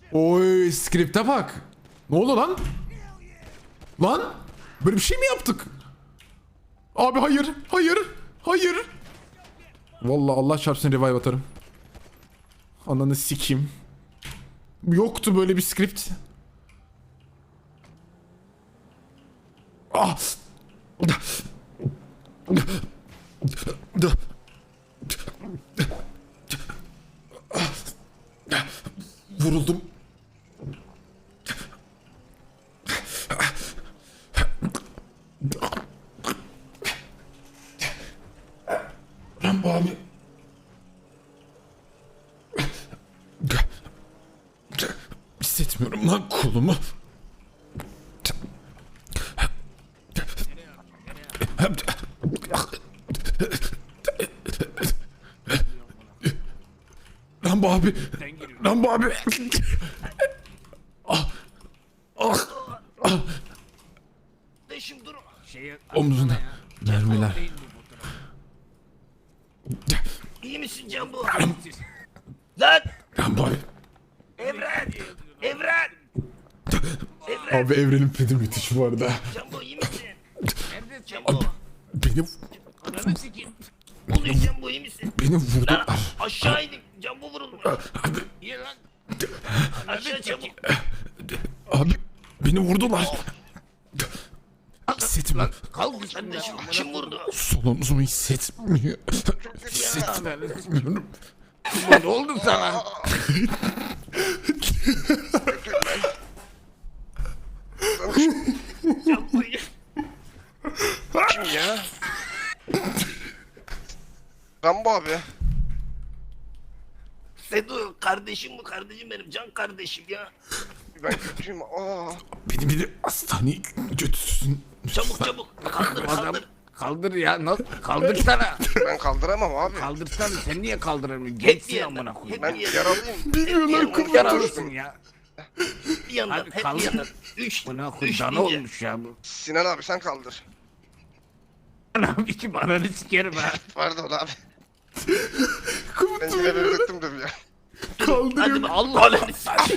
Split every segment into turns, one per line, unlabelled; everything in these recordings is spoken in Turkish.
Oy skripte bak. Ne oldu lan? Lan? Böyle bir şey mi yaptık? Abi hayır. Hayır. Hayır. Vallahi Allah çarpsın revive atarım. Ananı sikeyim. Yoktu böyle bir script. Ah. Vuruldum. Rambo abi. Hissetmiyorum lan kolumu. Rambo abi. Rambo abi. Ah. Ah. Ah.
Dur.
Omzuna mermiler.
İyi misin Cambo? Lan!
Rambo abi.
Evren! Evren!
Abi evrenin pedi müthiş bu arada.
Cambo iyi misin?
Abi,
Cambo!
beni
Ananı sikeyim. Ne oluyor Cambo iyi misin?
beni
Lan
vurdular.
aşağı indim. Cambo vurulmuş.
Abi,
İyi lan. Aşağı çabuk.
abi beni vurdular. Hissetmiyorum.
Kalk kardeşim. Kim vurdu?
Sol omzumu hissetmiyor. Hissetmiyorum.
Ne oldu sana? Cambo iyi.
Kim ya? Rambo abi.
Sedu kardeşim bu kardeşim benim can kardeşim ya.
Ben kötüyüm. Aa.
Beni bir de hastaneye götürsün.
Çabuk çabuk kaldır kaldır.
Kaldır ya, nasıl? Kaldırsana.
Ben kaldıramam abi.
Kaldırsana, sen niye kaldıramıyorsun?
Hep bir
Gençsin
yandan.
amına koyayım.
Ben
Hep bir yandan.
yaralıyım.
Bilmiyorlar
Yaralısın ya.
Bir yandan.
Hadi
Hep
kaldır.
bir yandan. Üç.
Buna
Üç
koy, dana
deyince.
olmuş ya bu.
Sinan abi sen kaldır.
Anam içim ananı sikerim ha.
Pardon abi. Ben yine benzettim de bir ya.
Hadi bak. Allah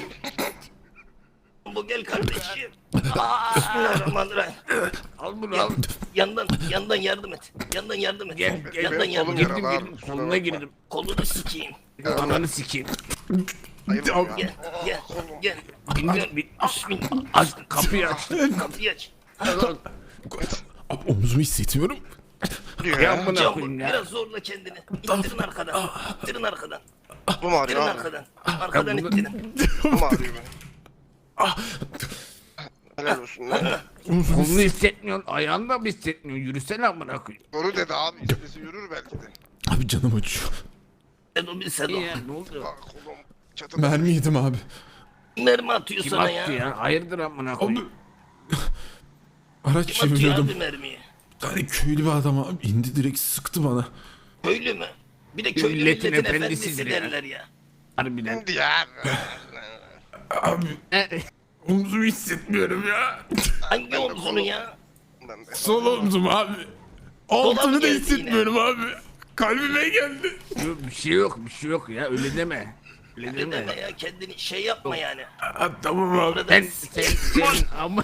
Bu gel kardeşim. Bismillahirrahmanirrahim.
Al bunu al.
Yandan yardım et. Yandan yardım et.
Gel gel.
Yandan
benim
yardım
kolum
et.
yaralı
Girdim
abi,
girdim,
kusura
koluna
bakma.
girdim.
Kolunu sikeyim.
Ananı sikeyim.
Ayıp
Abi,
ya.
Gel gel gel.
Bindir, bin.
Bismillah.
Aç kapıyı aç.
Kapıyı aç.
Abi omzumu hissetmiyorum.
Diyor
Ya
ya.
amına
Cambo
koyayım ya.
biraz zorla kendini. İttirin arkadan. İttirin arkadan.
Bu mu
İttirin
arıyor abi?
arkadan. Arkadan
Ya bu-
ittirin.
Bu mu arıyor beni? Helal olsun lan.
Kolunu hissetmiyorsun, ayağını da mı hissetmiyorsun? Yürüsene amına koyayım.
Doğru dedi abi. İstesi yürür belki de.
Abi canım acıyor.
Sedo bir Sedo.
İyi ya, ne oldu?
Aa, kolum çatıda.
Mermi yedim abi.
Mermi atıyor
Kim
sana
attı
ya.
ya? Hayırdır amına
Abi.
koyayım?
Araç
Kim atıyor
çeviriyordum.
abi mermiyi?
Bir tane köylü bir adam abi indi direkt sıktı bana.
Köylü mü? Bir de köylü
Milletin
milletin
efendisidir
efendisi
ya.
derler ya.
Harbiden.
Şimdi ya.
Abi omzumu hissetmiyorum ya.
Hangi omzunu ya?
Ben de.
Sol omzum abi. Altını da
geldi
hissetmiyorum abi. Kalbime geldi.
Yok, bir şey yok, bir şey yok ya, öyle deme. Öyle
Ne
deme.
deme ya kendini şey yapma yani.
Tamam abi.
Burada
Ben senin ama...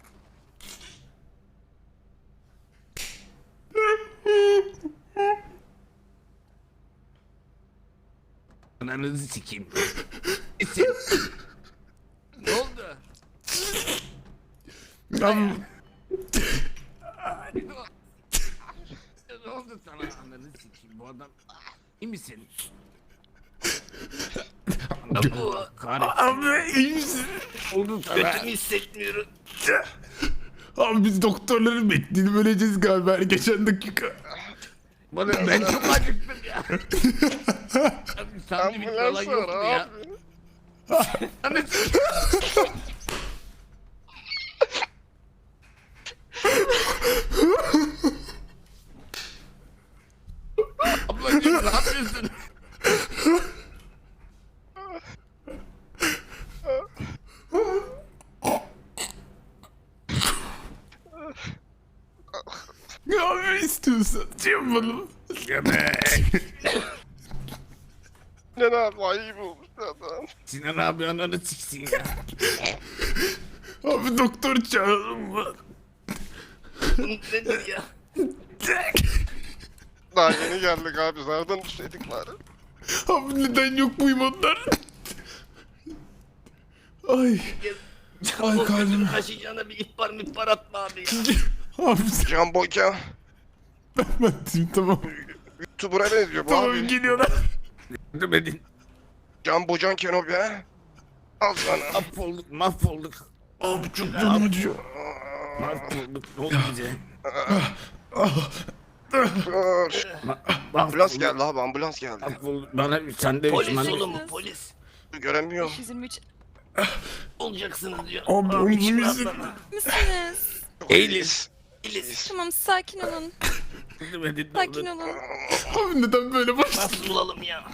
Ananızı sikeyim. Ne oldu?
Abi,
Ne oldu sana? Ananı sikeyim, bu adam... İyi misin?
Bu
Kahretsin.
abi iyi misin?
Oldu sana.
götümü hissetmiyorum.
Abi biz doktorların bekleyelim öleceğiz galiba geçen dakika.
Ben çok acıktım ya. Abi sandviç falan
Ambulans
yok mu
var
ya?
abi.
Ananı sikeyim. Ablacığım ne yapıyorsun?
Abi istiyorsan yapalım.
Yemek.
Ne abi ayıp olmuş. Adam.
Sinan abi ananı siksin ya.
Abi doktor çağırın mı?
Bu nedir ya?
Daha yeni geldik abi. Zardan düşseydik bari.
Abi neden yok buyum onlar? Ay. Ay
O
kalbim.
götünü kaşıyacağına bir ihbar atma abi ya.
Abi
Can Boyka.
ben diyeyim tamam.
YouTuber'a benziyor bu
Tamam
abi.
geliyorlar.
Yardım edin.
Can Bocan Kenobi ha. Al sana.
Mahvolduk mahvolduk.
Abi çok canım acıyor.
Mahvolduk. Ne oldu bize?
Dur. Ambulans
Mahvolduk.
geldi abi, ambulans geldi.
Mahvolduk. Bana sen de
Polis
Müslüman-
oğlum bu polis.
Göremiyorum.
523
Olacaksınız diyor.
Abi omzum
içim
izin.
rahatladı.
misiniz?
Eğiliz.
İliz.
Tamam sakin olun.
Yardım edin. ne
Sakin
olur.
olun.
Abi neden böyle başladı?
Nasıl bulalım ya?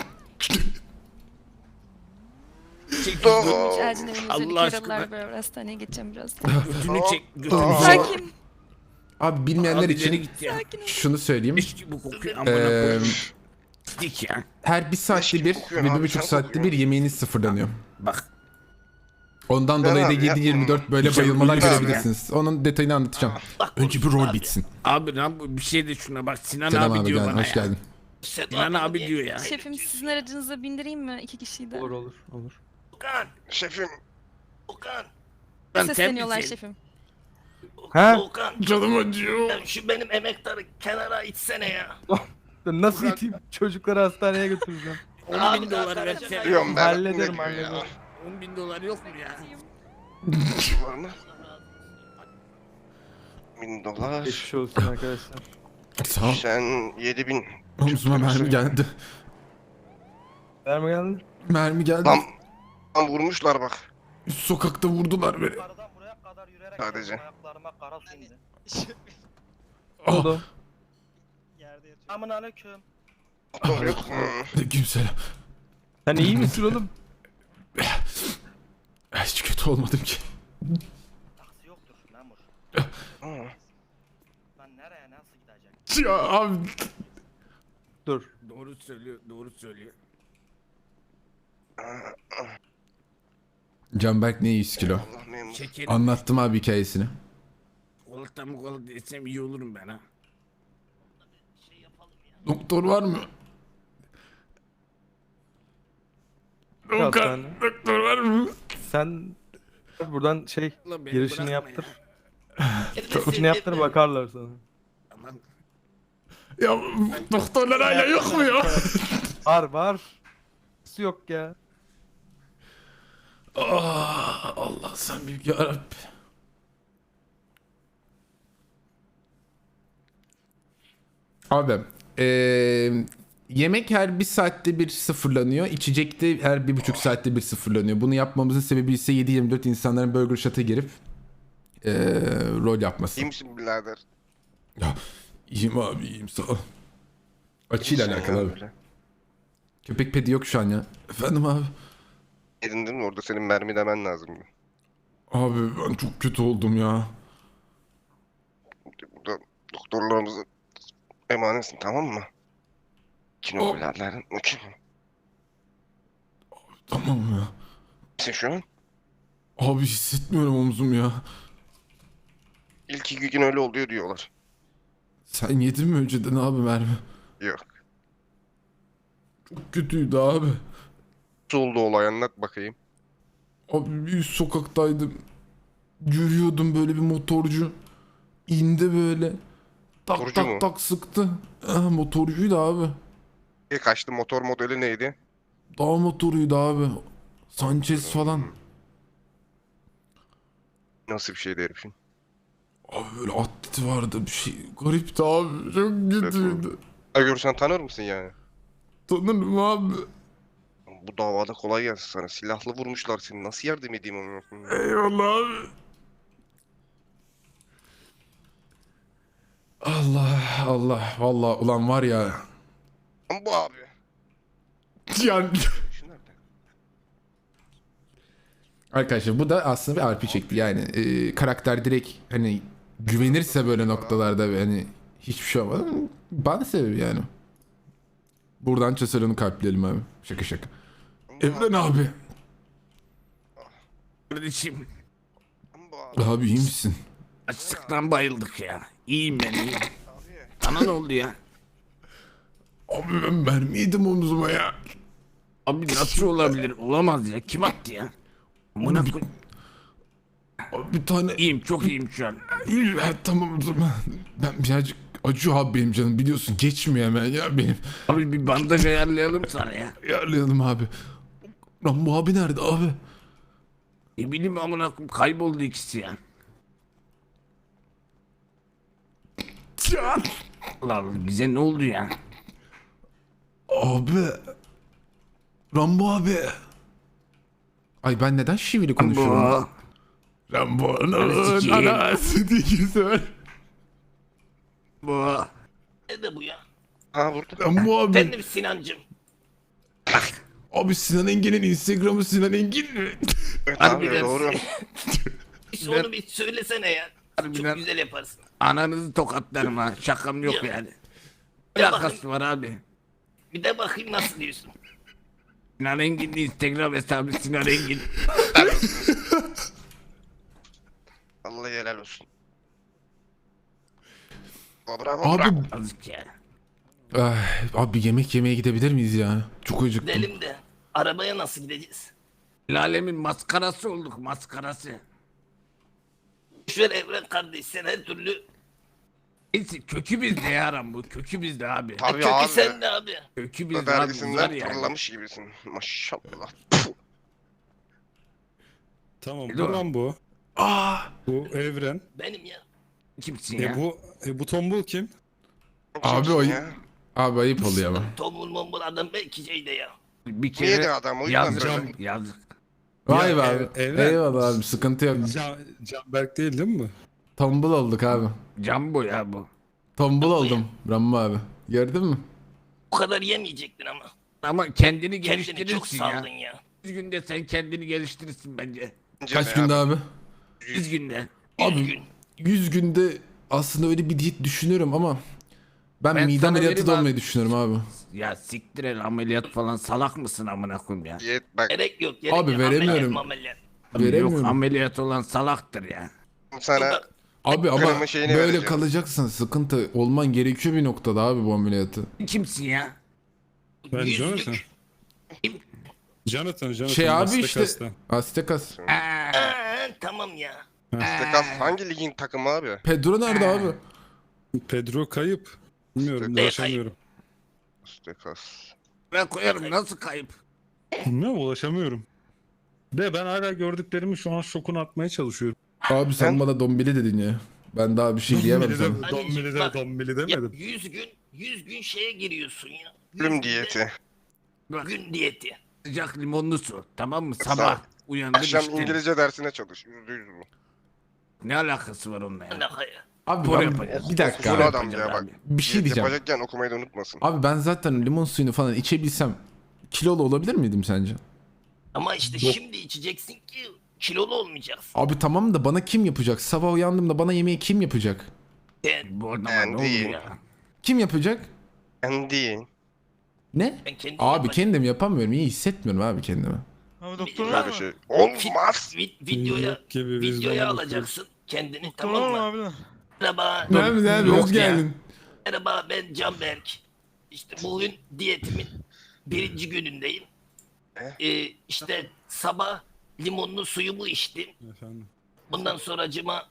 Çek
Dur.
Hiç acil evinize
Allah
bir
aşkına.
karalar beraber hastaneye geçeceğim biraz.
Götünü çek. Götünü
Aa.
çek.
Sakin.
Abi bilmeyenler
Abi ileri
için
git ya.
Sakin olun.
şunu söyleyeyim.
Leş gibi kokuyor. Amına
Eee,
koyayım. Dik ya.
Her bir saatte
gibi
bir
kokuyorsun
ve
abi,
1,5
sen
saatte
kokuyorsun.
bir yemeğiniz sıfırlanıyor.
Bak.
Ondan
Ben
dolayı da
abi
7-24 böyle
Güzel
bayılmalar
uyuyorsun
görebilirsiniz. Onun detayını anlatacağım.
Bak
Önce bir
konuşsun
rol
abi.
bitsin.
Abi lan bu bir şey de şuna bak. Sinan
Selam
abi
abi
diyor
gel,
bana
hoş
ya.
geldin.
Sedat
Sinan abi
niye-
diyor ya.
Şefim sizin aracınıza bindireyim mi? 2 kişiyi de.
olur.
Okan.
Şefim.
Okan.
Ben
Sesleniyorlar
temizim.
şefim.
He?
Okan.
Canım acıyor.
Ya şu benim emektarı kenara itsene ya.
Ben nasıl iteyim? Çocukları hastaneye götüreceğim.
10 bin
Abi,
dolar
zaten-
versene.
Diyorum ben.
Hallederim,
Ne diyor
hallederim.
ya?
10 bin dolar yok mu ya?
Var mı? 1000 dolar.
Geçmiş olsun arkadaşlar.
Sağ ol.
Sen 7000.
Omzuma mermi geldi.
Verme geldin.
Mermi geldi.
Tam vurmuşlar bak.
Üst sokakta vurdular beni.
Yukarıdan buraya kadar yürüyerek
Sadece.
geldim, ayaklarıma kara su indi.
Ne oldu?
Yerde yatıyor. Aman aleyküm.
Yok.
Aleykümselam.
Sen iyi misin oğlum?
Hiç kötü olmadım ki.
Taksi yoktur memur.
Hı.
Ben nereye nasıl gidecek?
Ya abi.
Dur.
Doğru söylüyor, doğru söylüyor.
Canberk ne 100 kilo?
Allah memur.
Şekerim.
Anlattım abi hikayesini.
Kolakta mı kola desem iyi olurum ben ha.
Doktor var mı?
Hastane.
Doktor var mı?
Sen buradan
Ulan beni
girişini
bırakma
yaptır.
ya.
Girişini yaptır bakarlar sana.
Tamam.
Ya doktorlar hala yok mu ya?
Var. Nasıl yok ya?
Allah sen büyük yarabbim. Abi yemek her bir saatte bir sıfırlanıyor. İçecek de her 1,5 saatte bir sıfırlanıyor. Bunu yapmamızın sebebi ise 7-24 insanların Burger Shot'a girip rol yapması.
İyi misin birader?
Ya, iyiyim abi iyiyim sağ ol. Açıyla
İyisin
alakalı
ya
abi.
böyle.
Köpek pedi yok şu an ya. Efendim abi.
Yerindin mi? Orada senin mermi demen lazım.
Abi ben çok kötü oldum ya.
Burada doktorlarımızı emanetsin, tamam mı? Kino birader. Okey.
Tamam ya.
Sen şu an
Abi hissetmiyorum omzum ya.
ilk 2 gün öyle oluyor diyorlar.
Sen yedin mi önceden abi mermi?
Yok.
Çok kötüydü abi.
Nasıl oldu olay, anlat bakayım.
Abi bir üst sokaktaydım. Yürüyordum böyle bir motorcu. İndi böyle. Tak
Motorcu
tak
mu?
tak sıktı. Motorcuydu abi.
Kaçtı, motor modeli neydi?
Dağ motoruydu abi. Sanchez falan.
Nasıl bir şeydi herifin?
Abi böyle atleti vardı bir şey. Garipti abi. Çok kötüydü.
Ha, görsen tanır mısın yani?
Tanırım abi.
Bu davada kolay gelsin sana. Silahlı vurmuşlar seni. Nasıl yardım edeyim onu?
Eyvallah abi. Allah Allah. Vallahi ulan var ya.
Bu abi.
Yani
Şu nerede?
arkadaşlar bu da aslında bir RP şekli yani karakter direkt hani güvenirse böyle noktalarda ve hani hiçbir şey olmadı bana sebebi yani. Buradan Çasar'ını kalpleyelim abi. Şaka şaka. Evren abi.
Kardeşim
Bu abi.
Abi iyi misin?
açlıktan bayıldık ya. İyiyim ben iyiyim.
Abi.
Sana ne oldu ya?
Abi ben mermi yedim omzuma ya.
Abi nasıl olabilir? Olamaz ya. Kim attı ya? Amına koy-
Abi bir tane...
İyiyim çok iyiyim şu an.
Ha, tamam o zaman. Ben birazcık acıyor abi benim canım biliyorsun. Geçmiyor hemen ya benim.
Abi bir bandaj ayarlayalım sana ya.
Ayarlayalım abi. Rambo abi nerede abi?
Ne bileyim amına koyayım kayboldu ikisi ya.
Can.
Allah Allah bize ne oldu ya?
Abi. Rambo abi. Ay ben neden şivili konuşuyorum?
Bu.
Rambo'nun
sikeyim.
anası diye güzel.
Bu.
Nerede bu ya?
Ha vurdu.
Rambo abi.
Efendim Sinancım.
Abi Sinan Engin'in Instagram'ı Sinan Engin mi?
Evet
Hadi
abi
biraz-
doğru.
Hiç onu bir söylesene ya.
Harbiden.
Çok güzel yaparsın.
Ananızı tokatlarım ha. Şakam yok
Ya.
yani. Ne
Ya
alakası var abi?
Bir de bakayım nasıl diyorsun.
Sinan Engin'in Instagram hesabı Sinan Engin.
Allah helal olsun. Bravo
Abi,
bravo.
Azıcık ya.
abi yemek yemeye gidebilir miyiz ya? Çok acıktım.
Gidelim de arabaya nasıl gideceğiz?
Lalemin maskarası olduk maskarası.
Şöyle Evren kardeş sen her türlü
Neyse kökü bizde ya Aram bu. Kökü bizde abi.
Tabii
kökü
abi.
sende abi.
Kökü bizde abi. Uzar
Vergisinden
yani.
fırlamış gibisin. Maşallah.
Tamam
Dur.
bu lan bu.
Aa,
Bu Evren.
Benim ya.
Kimsin ya?
Bu tombul kim?
Abi
Kimsin
o
ya?
abi ayıp oluyor ama.
Tombul mombul adam belki şeyde ya.
Bir
Niye de
kere
adam o yüzden
yazık.
böyle.
Yazık.
Vay
Ya,
be abi.
Evren.
Eyvallah abi sıkıntı yok.
Canberk değil değil mi?
Tombul olduk abi.
Cambo ya bu.
Tombul oldum Rambo abi. Gördün mü?
Bu kadar yemeyecektin ama.
Ama kendini
Kendini çok
geliştirirsin
saldın
ya.
ya.
100 günde sen kendini geliştirirsin bence.
Bence
Kaç
de
günde abi?
100 günde.
100 gün.
100 günde aslında öyle bir diyet düşünüyorum ama ben
Ben
mide
sana
ameliyatı
vereyim
da
abi.
olmayı düşünüyorum abi.
Ya siktir el ameliyat falan salak mısın amına koyayım ya?
Diyet bak
Gerek yok. Gerek
Abi
yok.
veremiyorum.
Ameliyat.
Veremiyorum.
Yok ameliyat olan salaktır ya.
sana
Abi ama
Kremi şeyini
böyle
vereceğim.
kalacaksın sıkıntı olman gerekiyor bir noktada abi bu ameliyatı.
Kimsin ya?
Ben
Yüzlük.
Jonathan. Jonathan.
Şey abi
Aztek
işte.
hasta.
Aztekas.
Tamam ya.
Stekas hangi ligin takımı abi?
Pedro nerede abi?
Pedro kayıp. Bilmiyorum
Ne
ulaşamıyorum.
Stekas.
Ben koyarım nasıl kayıp?
Bilmiyorum ulaşamıyorum. De ben hala gördüklerimi şu an şokunu atmaya çalışıyorum.
Abi sen bana dombili dedin ya. Ben daha bir şey diyemem sana.
Dombili
Bak,
de dombili
Ya
demedim.
100 gün şeye giriyorsun ya. 100
Ölüm
günde
diyeti.
Bak
Gün diyeti.
sıcak limonlu su tamam mı? Sabah
Sağ-
uyandım
Akşam
işte.
İngilizce dersine çalış. %100 bu.
Ne alakası var onunla ya?
Alaka ya.
Abi
Spor
ben,
yapacağız.
bir dakika
Spor
abi.
adam ya bak.
Bir şey
Diyet
diyeceğim.
yapacakken okumayı da unutmasın.
Abi ben zaten limon suyunu falan içebilsem kilolu olabilir miydim sence?
Ama işte şimdi içeceksin ki kilolu olmayacaksın.
Abi tamam da bana kim yapacak? Sabah uyandığımda bana yemeği kim yapacak?
Bu adama
Ben
ne oldu
değil.
ya?
Kim yapacak?
Ben değil.
Ne?
Ben kendim
Abi
yapacağım.
kendim yapamıyorum. İyi hissetmiyorum abi kendimi.
Abi doktor
Böyle bir şey. Olmaz.
Videoya,
Yok gibi biz
videoya
de
alacaksın kendini tamam mı?
abi.
Merhaba.
Ne abi abi
Yok
hoş
ya.
geldin.
Merhaba ben Canberk. İşte bugün diyetimin 1. günündeyim. İşte sabah limonlu suyumu içtim.
Efendim.
Bundan sonracıma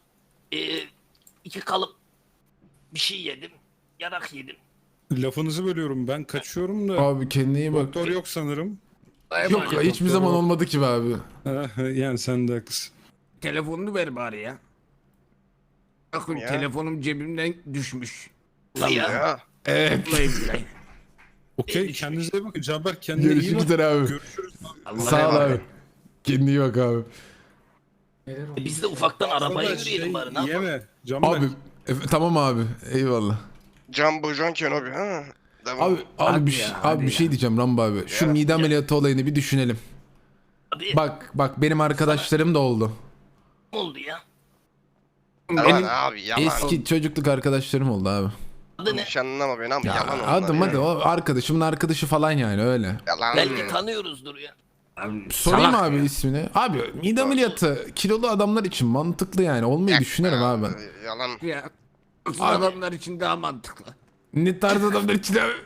2 kalıp bir şey yedim. Yarak yedim.
Lafınızı bölüyorum. Ben kaçıyorum da.
Abi kendine iyi bak.
Doktor yok sanırım.
Yok hiçbir zaman olmadı ki be abi.
Yani sen de haklısın.
Telefonunu ver bari ya. Bakın
Ya.
telefonum cebimden düşmüş.
Ya.
Ya.
Evet.
Vallahi billahi.
Okey kendinize iyi bakın. Canberk kendine iyi
Görüşmek
bak.
üzere abi.
Görüşürüz.
Allah
Sağ ol
emanet.
abi. Kendine iyi bak abi.
Biz de ufaktan arabaya
Arkadaş,
yürüyelim bari ne yapalım?
Yeme. Canberk.
Abi tamam abi. Eyvallah.
Jumbo John Kenobi ha. Devam.
Abi
Hadi
bir
ya,
şey,
hadi
abi bir şey
ya.
diyeceğim Rambo abi. Şu
Ya.
mide ameliyatı olayını bir düşünelim.
Abi
Bak benim arkadaşlarım da oldu.
ne oldu ya?
Yalan
Benim
abi yalan.
Eski çocukluk arkadaşlarım oldu abi.
Adı ne?
Yanlış anlama beni ama
Ya
yalan onlar
adım
ya.
hadi o arkadaşımın arkadaşı falan yani öyle.
Yalan.
Belki tanıyoruzdur ya.
Abi,
Sorayım
salak
abi
ya.
ismini. Abi mide ameliyatı kilolu adamlar için mantıklı yani. Olmayı düşünüyorum abi ben.
Yalan.
Ya. Adamlar için daha mantıklı.
Ne tarz adamlar için abi?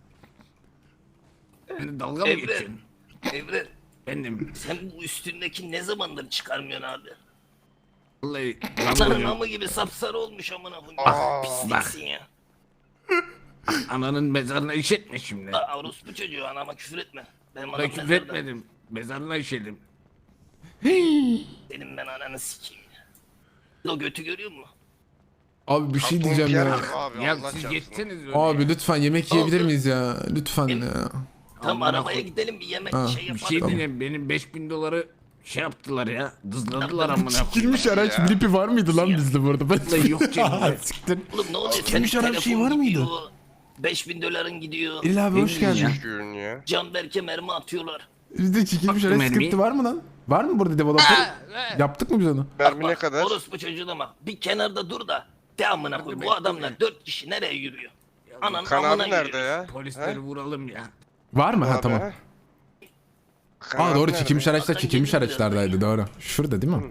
Yani dalga mı
Evren.
geçiyorsun?
Evren.
Benim.
Sen bu üstündeki ne zamandır çıkarmıyorsun abi?
Vallahi
Sarı
lan
namı gibi sapsarı olmuş amına koyayım.
Aa,
Pisliksin ya.
ananın mezarına işetme şimdi.
Orospu çocuğu anama küfür etme. Benim
Ben
anam
küfür
mezarda.
etmedim. Mezarına işedim.
Senin ben ananı sikeyim ya. O götü görüyor musun?
Abi bir şey
Aklım
diyeceğim
yer
ya.
gibi Abi,
Ya
Allah
siz
çarpsın.
geçseniz öyle.
Abi lütfen yemek yiyebilir
Oldu.
miyiz ya? Lütfen ya.
Tam
Amına
arabaya
koy-
gidelim bir yemek
Ha,
şey
Bir
yapalım.
şey diyeyim, benim 5000 doları şey yaptılar ya. Dızladılar amına koyayım.
Sikilmiş araç
Ya.
gripi var mıydı lan
Ya.
bizde bu arada?
Vallahi yok cebimde.
Siktir.
Oğlum ne oluyor?
Sikilmiş
Senin
araç şey
telefon
var mıydı?
gidiyor, 5000 doların gidiyor.
İl abi hoş geldin.
Gün ya.
Canberk'e mermi atıyorlar.
Bizde çekilmiş
Baktım
araç
mermi.
skripti var mı lan? Var mı burada developer? Yaptık mı biz onu?
Mermi ne kadar?
Orospu çocuğuna bak. Bir kenarda dur da. De amına koy. Bu adamlar 4 kişi nereye yürüyor? Ananın
Kan
amına
abi nerede
yürüyor.
ya?
Polisleri
He?
vuralım ya.
Var mı? Ha
Abi,
tamam.
he? Kan
Aa
abi
doğru
nerede?
çekilmiş araçlar
Zaten
çekilmiş
geliyor
araçlardaydı doğru. Şurada değil mi?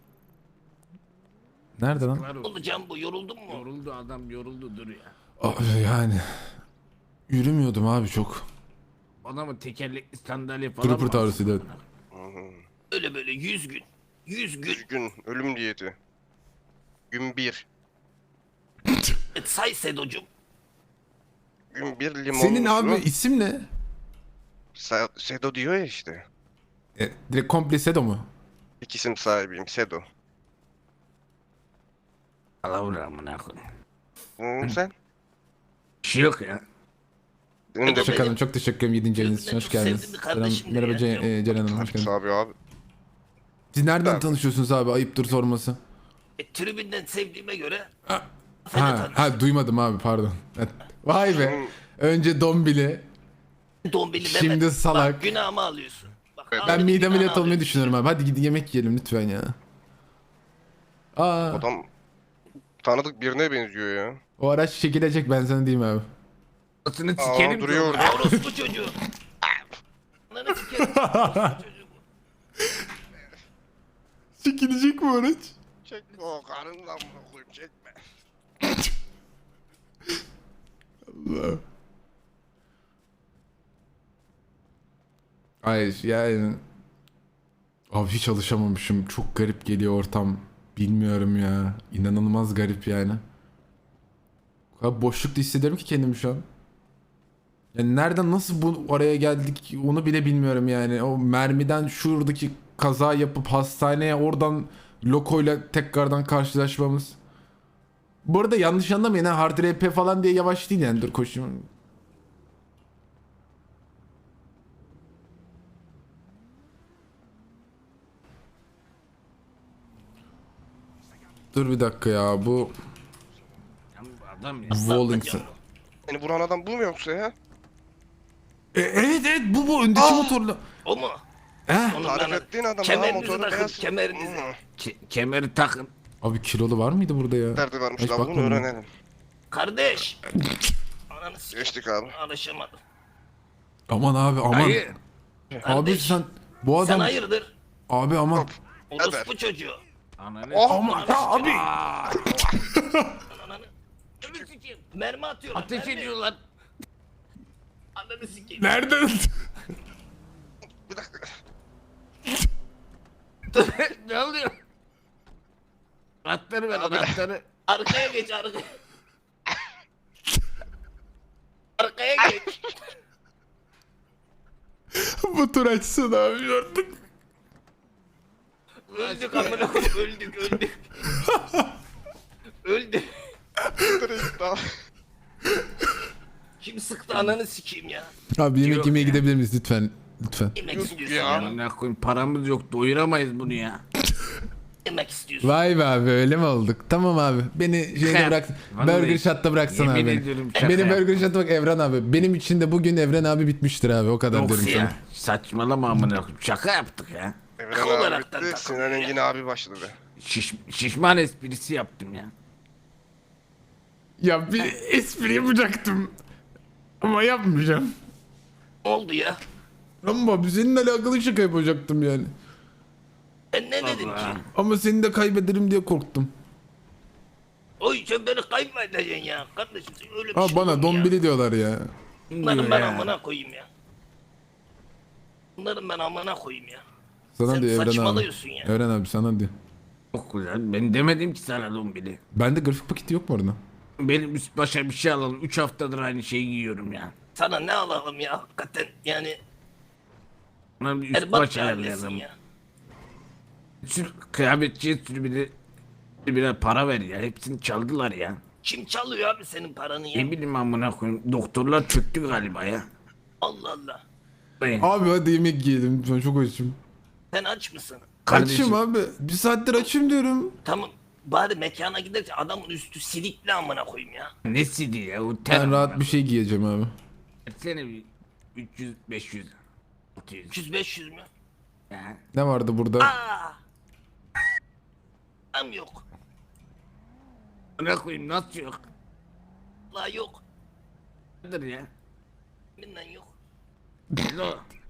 Nerede lan?
Var
Ne
o.
oldu Can bu? Yoruldun mu?
Yoruldu adam yoruldu dur ya.
Abi yani. Yürümüyordum abi çok.
Bana mı tekerlekli sandalye falan
Trooper
mı?
tavrısıydı. Evet.
Öyle böyle 100 gün. 100 gün.
100 gün ölüm diyeti. Gün 1.
Say Sedo'cum.
Gün 1 limon
Senin
musu.
abi isim ne?
Sedo diyor ya işte.
Direkt komple Sedo mu?
İlk isim sahibiyim Sedo.
Allah amına koyayım.
Sen?
Bir şey yok ya.
Senin de
Teşekkür ederim. Çok teşekkür ederim 7. ayınız için.
Çok
Hoş geldiniz.
sevdim bir
Selam.
kardeşim
Merhaba
ya.
Ceren Hanım. Hoş geldiniz.
abi abi.
Siz nereden
Ben-
tanışıyorsunuz abi? Ayıptır sorması.
Tribünden sevdiğime göre.
Ha duymadım abi pardon. Evet. Vay be. Önce Dombili.
Dombili
Şimdi
Mehmet.
salak.
Bak günahımı alıyorsun. Bak,
Evet.
Ben
Ahmet'in
mide
günahını
ameliyatı olmayı
alıyorsun.
düşünüyorum abi. Hadi gidin yemek yiyelim lütfen ya. Aa,
Adam tanıdık birine benziyor ya.
o araç çekilecek ben sana diyeyim abi.
Atını
Aa
sikerim
duruyor
ki
orada.
Orospu çocuğu. Ananı sikerim. Orospu çocuğu bu.
Çekilecek mi araç?
Çekme o karından mı koyayım çekme.
Allah. Hayır yani. Abi hiç alışamamışım. Çok garip geliyor ortam. Bilmiyorum ya. İnanılmaz garip yani. O kadar boşlukta hissediyorum ki kendimi şu an. Yani nereden nasıl bu oraya geldik onu bile bilmiyorum yani. O mermiden şuradaki kaza yapıp hastaneye oradan lokoyla tekrardan karşılaşmamız. Bu arada yanlış anlamayın ha hard RP falan diye yavaş değil yani dur koşayım. Dur bir dakika ya bu
Ya bu adam ya.
Wallington.
Beni vuran adam bu mu yoksa ya?
Evet bu öndeki motorla.
O mu?
He?
Onu
Tarif
ben-
ettiğin adam
Kemerinizi
motoru
takın,
beyaz.
kemerinizi.
Kemeri takın.
Abi kilolu var mıydı burada ya?
Nerede varmış
Hiç
lan bunu
bakmadım.
öğrenelim.
Kardeş. Ananı sikerim.
Geçtik abi.
Alışamadım.
Aman abi aman.
Hayır.
Abi
Kardeş,
sen bu
Sen
adam
hayırdır?
abi aman.
Orospu çocuğu.
Ananı
Aman abi.
Ananı. Ömür sikeyim. Mermi atıyorlar.
ateş
mermi.
ediyorlar.
Ananı sikeyim.
Nereden?
Bir dakika.
Ne oluyor? Anahtarı ver anahtarı.
Arkaya geç arkaya. Arkaya geç.
Bu tur açsın abi artık.
Öldük amına koyayım. Öldük. Öldük.
Direkt daha.
Kim sıktı ananı sikeyim ya.
Abi yemek
Yok
yemeye
ya.
gidebilir miyiz lütfen? Lütfen.
Yemek
Yok
istiyorsun
ya.
ya.
Amına koyayım paramız yok doyuramayız bunu ya.
Yemek istiyorsun.
Vay be abi öyle mi olduk? Tamam abi. Beni şeyde
Şaka
bırak.
yap. Vallahi
Burger Shot'ta bıraksana
yemin
abi. beni.
ediyorum şaka
Benim
yap.
Burger Shot'a bak Evren abi. Benim için de bugün Evren abi bitmiştir abi. O kadar
Yok
diyorum sana.
ya. Saçmalama amına koyayım. Şaka yaptık ya.
Evren abi
olaraktan
bitti.
takılıyor
Sinan
ya.
Engin abi başladı.
Şişman esprisi yaptım ya.
Ya bir espri yapacaktım. Ama yapmayacağım.
Ne oldu ya?
Ama seninle alakalı şaka yapacaktım yani.
Ben ne dedim ki?
Ama seni de kaybederim diye korktum.
Oy sen beni kaybedeceksin ya. Kardeşim sen öyle bir
Ha
şey olur
bana
mu ya?
dombili diyorlar ya.
Bunların ben amına koyayım ya. Bunların ben amına koyayım ya.
Sana
Sen
diyor Evren abi.
saçmalıyorsun ya.
Evren abi sana diyor.
Çok güzel. Ben demedim ki sana dombili.
Bende grafik paketi yok mu orada?
Benim üst başa bir şey alalım. 3 haftadır aynı şeyi giyiyorum ya.
Sana ne alalım ya hakikaten yani.
Bana bir üst
Erbat
baş
mahallesin
ayarlayalım.
ya.
Sür kıyafetçiye sür bir para ver ya. Hepsini çaldılar ya.
Kim çalıyor abi senin paranı ya?
Ne bileyim amına koyayım. Doktorlar çöktü galiba ya.
Allah Allah.
Ben,
Abi hadi yemek yiyelim lütfen çok açım.
Sen aç mısın?
Açım abi. Bir saattir açım diyorum.
Tamam. Bari mekana giderken adamın üstü silikli amına koyayım ya.
ne sidi ya o ter.
Ben rahat bir şey giyeceğim abi.
Versene bir 300 500 600
300-500 mü?
ya.
Ne vardı burada?
Aa! Tam yok.
Buna koyayım nasıl yok?
La yok.
Nedir ya?
Binden yok.
Lo.